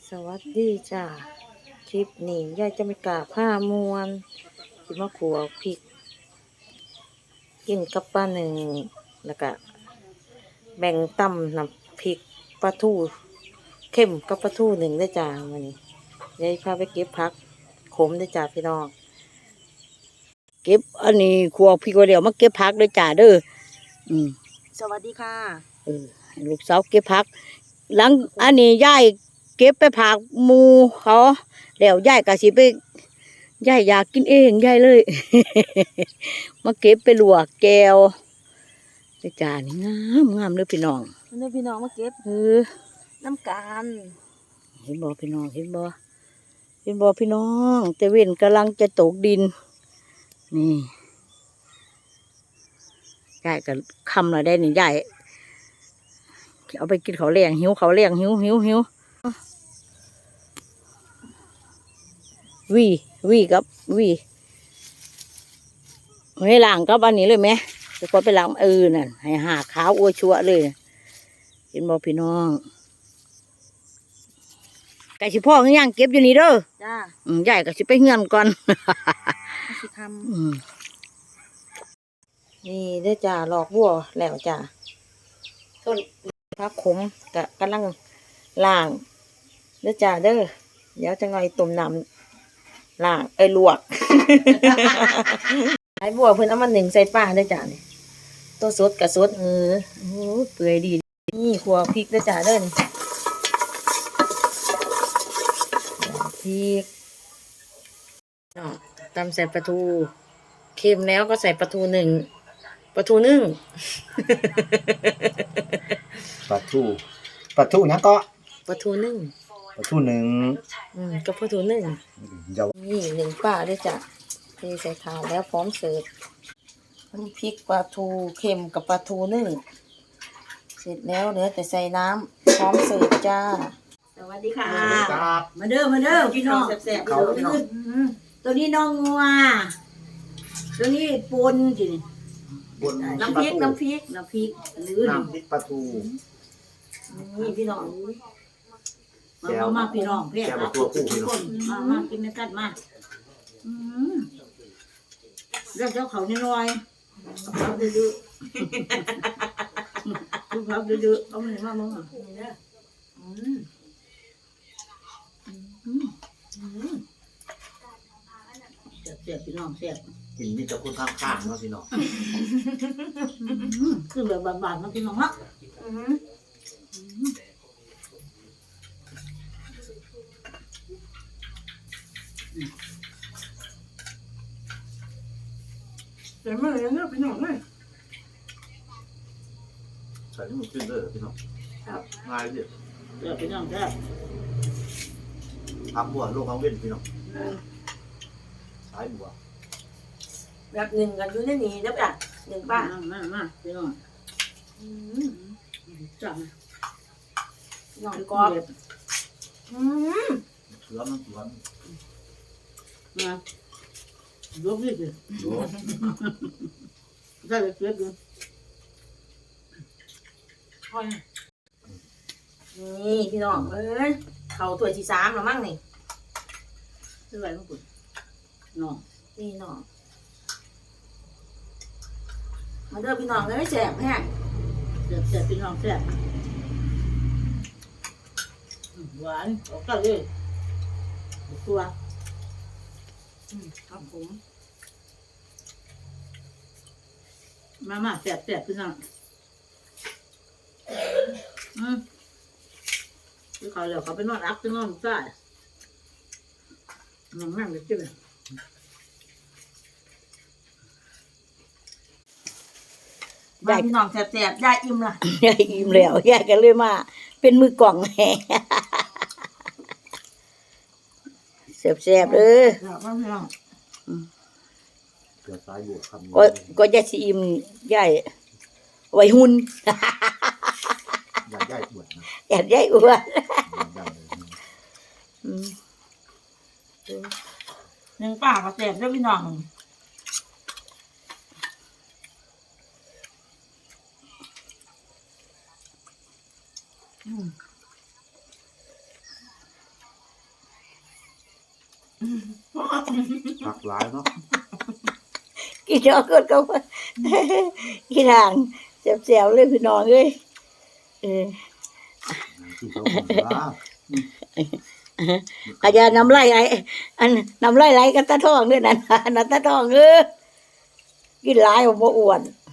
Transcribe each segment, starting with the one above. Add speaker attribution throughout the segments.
Speaker 1: สวัสดีจ้าคลิปนี้ยายจะไม่กล้าผ้ามวนสิมาขัวพริกกินกับปลาหนึ่งแล้วก็แบ่งตำน้ำพริกปลาทูเข้มกับปลาทูหนึ่งได้จ้าวันนี้ยายพาไปเก็บผักขมได้จ้าพี่น้อง
Speaker 2: เก็บอันนี้ครัวพี่ก็เดี๋ยวมาเก็บผักด้วยจ้าเด้อ
Speaker 1: สวัสดีค่ะ
Speaker 2: ให้ลูกสาวเก็บผัก หลังอันนี้ยายเก็บไปผักหมูเขาแล้วยายก็สิไปยายอยากกินเองยายเลย มาเก็บไปลวกแก้วด้วยจ้านี่งามงามเลยพี่น้อง
Speaker 1: พี่น้องมาเก็บน้ำกัน
Speaker 2: เห็นบ่พี่น้องเห็นบ่พี่น้องแต่เว้นกำลังจะตกดินนี่ยายก็คำหน่อยได้นี่ยายเอาไปกินเขาเลี้ยงหิววีกับวีให้ล้างกับอันนี้เลยไหมจะก็ไปล้างนั่นให้หาขาวอ้วชัวเลยเห็นบ่พี่น้องไก่สิพ่อเงี้ยงเก็บอยู่นี่เด้อ
Speaker 1: จ้า
Speaker 2: ใหญ่ก็สิไปเฮือนก่อน
Speaker 1: สิคำนี่เด้อจ้าหลอกบัวแล้วจ้าต้นผักขมกำลังล่างเด้อจ้าเด้อเดี๋ยวจะง่อยต้มน้ำล่างลวกไอ้บัวเพิ่นเอามาหนึ่งใส่ป้าเด้อจ้านี่ตัวสดกับสดโอ้เปื่อยดีนี่ขัวพริกเด้อจ้าเด้อนี่พริกตำใส่ปลาทูเค็มแล้วก็ใส่ปลาทูหนึ่งปลาทูนึ่ง
Speaker 3: ปลาทูนะก็
Speaker 1: ปลาทูนึ่งก็ปลาทูนึ่งนี่หนึ่งป้าด้วยจ้ะเทใส่ถาดแล้วพร้อมเสิร์ฟน้ำพริกปลาทูเค็มกับปลาทูนึ่งเสร็จแล้วเหลือแต่ใส่น้ำพร้อมเสิร์ฟจ้าสวัสดีค่ะ
Speaker 2: มาเด้อพี่น้อง
Speaker 1: แซ่บๆ
Speaker 2: ตัวนี้น้องงัวตัวนี้ปนสิ
Speaker 1: น้ำพริกหรือ
Speaker 3: น้ำพริกปลาทู
Speaker 1: นี่พี่น้อง
Speaker 2: มาพี่น้องเรียก
Speaker 3: ตัวผู้พี่น้อง
Speaker 2: มากินกันมาเรื่องเจ้าเขานี่น้อยเขาดื้อเขาดื้อเอาหนึ่งมาบ้างเสียบพี่น้องเสียบ
Speaker 3: กินนี่จะพูดข้างๆเนาะพี่น้อง
Speaker 2: คือแบบบานๆมาพี่น้องเนาะ
Speaker 1: แต่เมื่อไรเนี่ยพี่น้องเลย
Speaker 3: ใส่ที่มันขึ้นเลยพี่น้องง่ายดิ
Speaker 2: เดี๋ยวพี่น้องแซ่บ
Speaker 3: พักบัวโลกเขาเว้นพี่น้องสายบัว
Speaker 1: แบบหนึ่งกันอยู่ในนี้เด้อจ้ะหนึ่งป้า
Speaker 2: มาพี่น้องจัง
Speaker 1: น้องกอบ
Speaker 3: เสือมัน
Speaker 2: มาลบดิได้เลยเสือดู
Speaker 1: นี่พี่น้องเขาถ้วยที่3แล้วมั้งนี่
Speaker 2: ซื้ออะไรมาปุ่นน้อง
Speaker 1: นี่น้องมาเด้อพี่น้องเลยแซ่บแห้ง
Speaker 2: แซ่บพี่น้องแซ่บหวานออกกันเลยตัว
Speaker 1: ครับผม
Speaker 2: มาแซ่บพี่น้องคือเขาเดี๋ยวเขาไปนอนอัพไปนอนใต้นั่งเลยจิ้ม
Speaker 1: ยายพี่น้องแซ่บยายอิ่มละ
Speaker 2: ยายอิ่มแล้วยายกันเลยมาเป็นมือกล่องแห่แซ่บเลย
Speaker 3: เสือสายบัวคำ
Speaker 2: ก็ยายสิอิ่มยายไว้หุ่น
Speaker 3: อยากได้อ้วนนะ
Speaker 2: อยากได้อ้วน
Speaker 1: หนึ่งป้าก็แซ่บด้วยพี่น้อง
Speaker 3: ผักหลายเนาะ
Speaker 2: กินเนาะก็กินทางแซ่บๆเลยพี่น้องเอ้ยเออ
Speaker 3: กินเขาคนละ
Speaker 2: อาจารย์น้ำไหลไหลอันน้ำไหลไหลกันตาทองด้วยนั่นนั่นตาทองกินหลายบ่อ้วน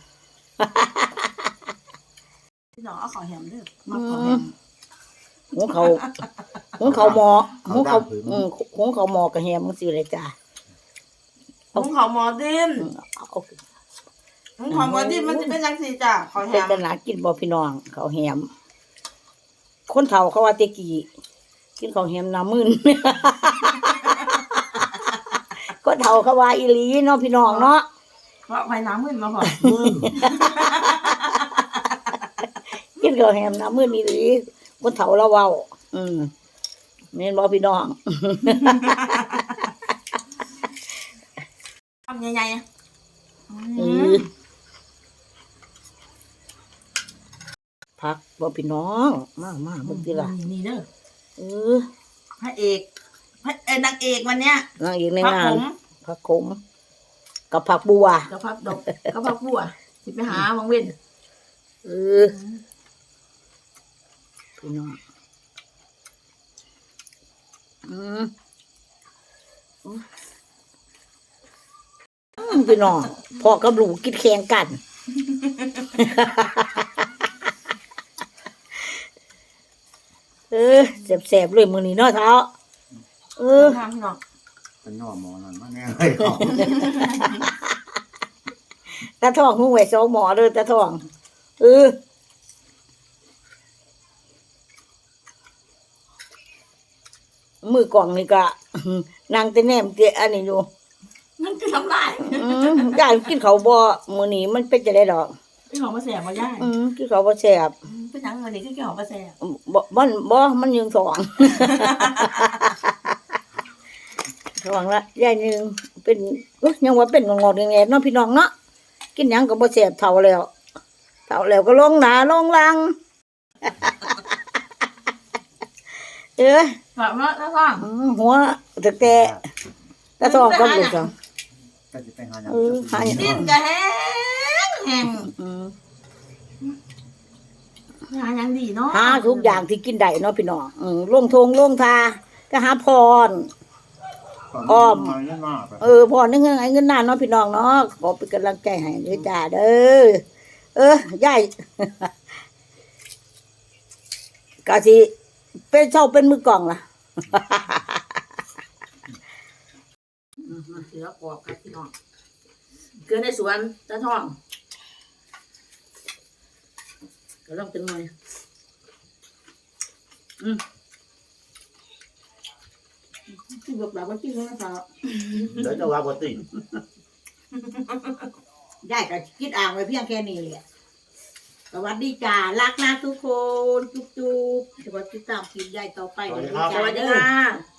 Speaker 1: พี่น้องเอาขอแฮมเด้อมาขอแฮม
Speaker 2: หุงเขาหุงเขาหมอหุงเขาหุงเขาหมอกระแฮมจังซี่เลยจ้ะ
Speaker 1: หุงข้าวหมอดิน
Speaker 2: เอา
Speaker 1: หุงข้าวหมอดินมันจะเป็นจังซี่จ้ะขอแฮ
Speaker 2: เป็น
Speaker 1: ม
Speaker 2: ตลาดกินบ่พี่น้องเขาวแฮมคนเฒ่าเขาว่าแตะกี้กินของแฮมน้ำมึน คนเฒ่าเขาว่าอีหลีเนาะพี่น้องเนาะ
Speaker 1: เพราะไฟน้ำมึนมาพอ
Speaker 2: กินของแฮมน้ำมึนอีหลีคนเฒ่าเราเว้าแม่นบ่พี่น้อง
Speaker 1: ทำใหญ่ๆ
Speaker 2: พักบ่พี่น้องมาเบิ่งติล่ะ
Speaker 1: นี่เด้อ
Speaker 2: เออ
Speaker 1: พระเอกนางเอกวันเนี้ย
Speaker 2: นางเอกใน
Speaker 1: พระ
Speaker 2: งา
Speaker 1: ผ
Speaker 2: น
Speaker 1: ม
Speaker 2: ผักขมกับผักบัว
Speaker 1: กับพระดกกับพระบัวสิไปหาวังเว้น
Speaker 2: เออพี่น้องพี่น้องพ่อกับลูกกินแข่งกัน แสบๆเลยมื้อนี้เนาะเท้า
Speaker 1: ทางพี่น้อง
Speaker 3: เป็นย่อหมอนั่นมาแน่เลยเขา
Speaker 2: ตาทองหูไว้สองหมอเลยตาทองมือกล่องนี่ก็นางแต่แนมเตะอันนี้อยู่
Speaker 1: มันคือทำลาย
Speaker 2: ย่ายกินเขาวบ่มื้อนี้มันเป็นจะได้ดอก
Speaker 1: พี่ของมาแสบมาย่าย
Speaker 2: กินเขาวบ่แซ่บ
Speaker 1: เป็นหยังวันนี้คือพี่ของมาแสบ
Speaker 2: มันยังสองสองละยายหนึงเป็นยังว่าเป็นงอๆแงๆเนาะพี่น้องเนาะกินหยังก็บ่แซ่บเท่าแล้วก็ลงหน้าลงหลัง
Speaker 1: ฝากมาแล้วฟัง
Speaker 2: หัวแต่ตาทองกับลูกจัง
Speaker 3: ก็จะไปหาหยัง
Speaker 2: หาหยัง
Speaker 1: ดิ้นกะแห้งหายังดีเนาะ
Speaker 2: หาทุกอย่างที่กินได้เนาะพี่น้องลงทงลงทาก็หาพร อ้อม
Speaker 3: มาเงินมาไป
Speaker 2: พรนึงเงินนานเนาะพี่น้องเนาะขอเป็นกำลังใจให้ด้วยจ้าเด้อยาย กะสิเป็นเจ้าเป็นมือกล่องล่ะ
Speaker 1: เสือกรอบครับพี่น้องเกลือในสวนตาทองก็ต้องเป็นหน่อยที่บอกแบบว่าที่เขาเขา
Speaker 3: เดี๋ยวจะว่าบ่ติ
Speaker 2: ได้ก็คิดอ่างไว้เพียงแค่นี้แหละสวัสดีจ้ารักนะทุกคนจุ๊บๆสวัสดีตามคลิปใหญ่ต่อไป
Speaker 1: สวัสดีค่ะ